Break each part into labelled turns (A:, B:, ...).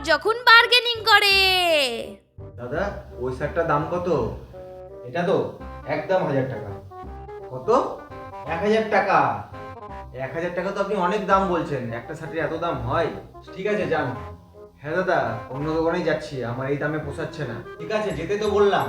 A: যখন বার্গেনিং করে।
B: দাদা ওই শার্টটার দাম কত? এটা তো একদম 1000 টাকা। কত? 1000 টাকা। 1000 টাকা তো আপনি অনেক দাম বলছেন, একটা শার্টের এত দাম হয়? ঠিক আছে যান। হ্যাঁ দাদা, অন্য দোকানেই যাচ্ছি, আমার এই দামে পোষাচ্ছে না। ঠিক আছে যেতে তো বললাম।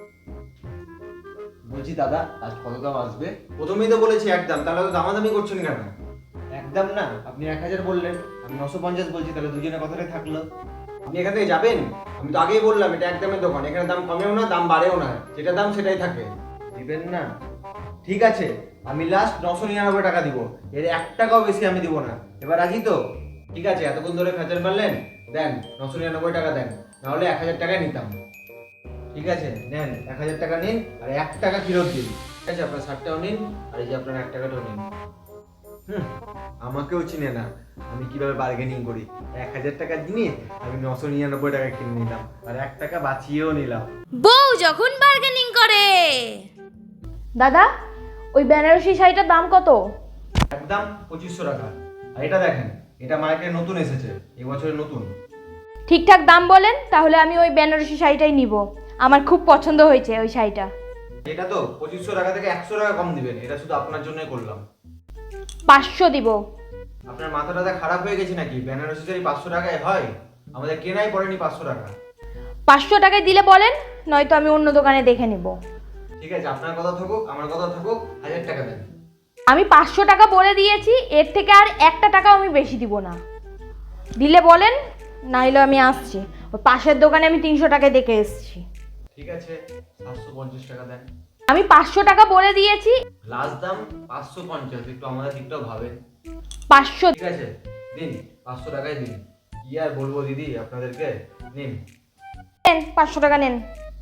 B: বলছি দাদা আজ কত দাম আসবে? প্রথমেই তো বলেছি একদম, তাহলে তো দামাদামি করছেন কেন? একদম না, আপনি 1000 বললেন, আমি 950 বলছি, তাহলে দুজনের কথাটাই থাকলো। আপনি এখান থেকে যাবেন? আমি তো আগেই বললাম এটা একদমের দোকান, এখানে দাম কমেও না দাম বাড়েও না, যেটা দাম সেটাই থাকে। দিবেন না? ঠিক আছে, আমি লাস্ট 999 টাকা দিব, এর 1 টাকাও বেশি আমি দিব না। এবার রাজি তো? ঠিক আছে, এতক্ষণ ধরে ফেচার মারলেন, দেন 999 টাকা দেন, নাহলে 1000 টাকায় নিতাম। ঠিক আছে নেন, 1000 টাকা নিন আর 1 টাকা ফেরত দিন। ঠিক আছে, আপনার শার্টটাও নিন আর এই যে আপনার 1 টাকাটাও নিন। আমাকেও চিনে না আমি কিভাবে বার্গেনিং করি। 1000 টাকার জিনিস আমি 999 টাকা কিনে নিলাম আর 1 টাকা বাঁচিয়েও নিলাম।
A: বউ যখন বার্গেনিং করে।
C: দাদা ওই বেনারসি শাড়িটার দাম কত?
B: একদম 2500 টাকা। আর এটা দেখেন, এটা মার্কেটে নতুন এসেছে, এই বছরের নতুন।
C: ঠিকঠাক দাম বলেন, তাহলে আমি ওই বেনারসি শাড়িটাই নিব। আমার খুব পছন্দ হয়েছে ওই শাড়িটা।
B: এটা তো 2500 টাকা থেকে 100 টাকা কম দিবেন, এটা শুধু আপনার জন্যই করলাম।
C: 500 দিব।
B: আপনার মাথাটা খারাপ হয়ে গেছে নাকি? বেনারসি শাড়ি 500 টাকায় হয়? আমাদের কেনাই পড়েনি 500 টাকা।
C: 500 টাকায় দিলে বলেন, নয়তো আমি অন্য দোকানে দেখে নেব।
B: ঠিক আছে, আপনার কথা থাকুক, আমার কথা থাকুক, 1000 টাকা দেন।
C: আমি 500 টাকা বলে দিয়েছি, এর থেকে আর একটা টাকাও আমি বেশি দিব না। দিলে বলেন, নাইলে আমি আসছি। ওই পাশের দোকানে আমি 300 টাকায় দেখে এসেছি।
B: ঠিক আছে 750 টাকা দেন।
C: আমি 500 টাকা বলে দিয়েছি।
B: লাস্ট দাম 550, একটু আমাদের দিকটাও ভাবেন।
C: 500
B: ঠিক আছে দিন, 500 টাকাই দিন। কি আর বলবো দিদি আপনাদেরকে, নিন।
C: নেন, 500 টাকা নেন।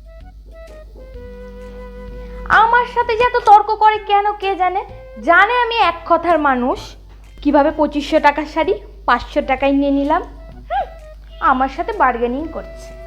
C: আমার সাথে যে এত তর্ক করে কেন কে জানে। জানে আমি এক কথার মানুষ। কিভাবে 2500 টাকার শাড়ি 500 টাকায় নিয়ে নিলাম। আমার সাথে বার্গেনিং করছে।